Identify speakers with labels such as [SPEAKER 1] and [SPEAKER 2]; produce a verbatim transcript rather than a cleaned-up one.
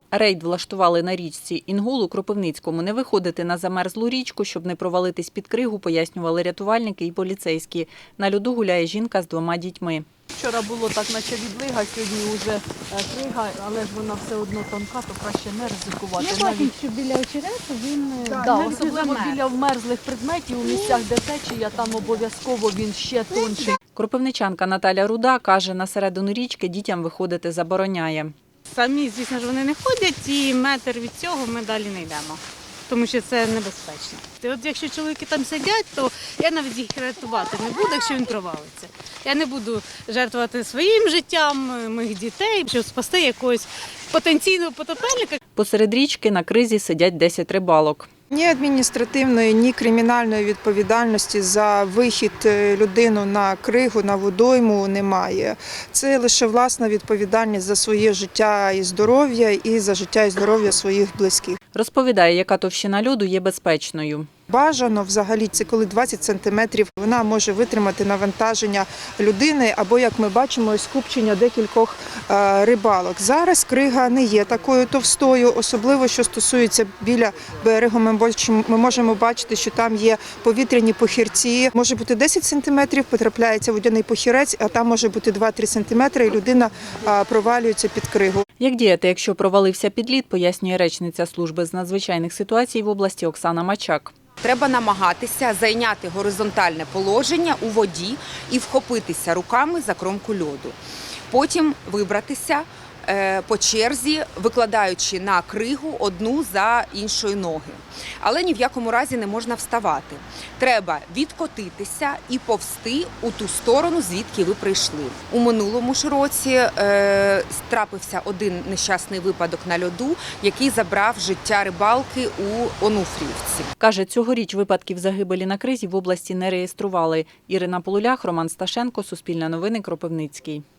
[SPEAKER 1] Рейд влаштували на річці Інгул у Кропивницькому. Не виходити на замерзлу річку, щоб не провалитись під кригу, пояснювали рятувальники і поліцейські. На льоду гуляє жінка з двома дітьми.
[SPEAKER 2] Вчора було так, наче відлига, сьогодні вже крига, але ж вона все одно тонка, то краще не ризикувати.
[SPEAKER 3] Я бачу, що біля очерету він
[SPEAKER 2] Да,
[SPEAKER 3] да,
[SPEAKER 2] особливо біля вмерзлих предметів у місцях, де течія, там обов'язково він ще тонший.
[SPEAKER 1] Кропивничанка Наталя Руда каже, на середину річки дітям виходити забороняє.
[SPEAKER 4] Самі, звісно ж, вони не ходять, і метр від цього ми далі не йдемо, тому що це небезпечно. От якщо чоловіки там сидять, то я навіть їх рятувати не буду, якщо він провалиться. Я не буду жертвувати своїм життям, моїх дітей, щоб спасти якогось потенційного потопельника.
[SPEAKER 1] Посеред річки на кризі сидять десять рибалок.
[SPEAKER 5] Ні адміністративної, ні кримінальної відповідальності за вихід людини на кригу, на водойму немає. Це лише власна відповідальність за своє життя і здоров'я і за життя і здоров'я своїх близьких.
[SPEAKER 1] Розповідає, яка товщина льоду є безпечною.
[SPEAKER 5] Бажано взагалі це коли двадцять сантиметрів вона може витримати навантаження людини або, як ми бачимо, скупчення декількох рибалок. Зараз крига не є такою товстою, особливо що стосується біля берегу. Ми можемо бачити, що там є повітряні похирці. Може бути десять сантиметрів, потрапляється водяний похирець, а там може бути два-три сантиметри і людина провалюється під кригу.
[SPEAKER 1] Як діяти, якщо провалився під лід, пояснює речниця служби з надзвичайних ситуацій в області Оксана Мачак.
[SPEAKER 6] Треба намагатися зайняти горизонтальне положення у воді і вхопитися руками за кромку льоду. Потім вибратися по черзі, викладаючи на кригу одну за іншої ноги. Але ні в якому разі не можна вставати. Треба відкотитися і повзти у ту сторону, звідки ви прийшли. У минулому ж році е, трапився один нещасний випадок на льоду, який забрав життя рибалки у Онуфріївці.
[SPEAKER 1] Каже, цьогоріч випадків загибелі на кризі в області не реєстрували. Ірина Полулях, Роман Сташенко, Суспільне новини, Кропивницький.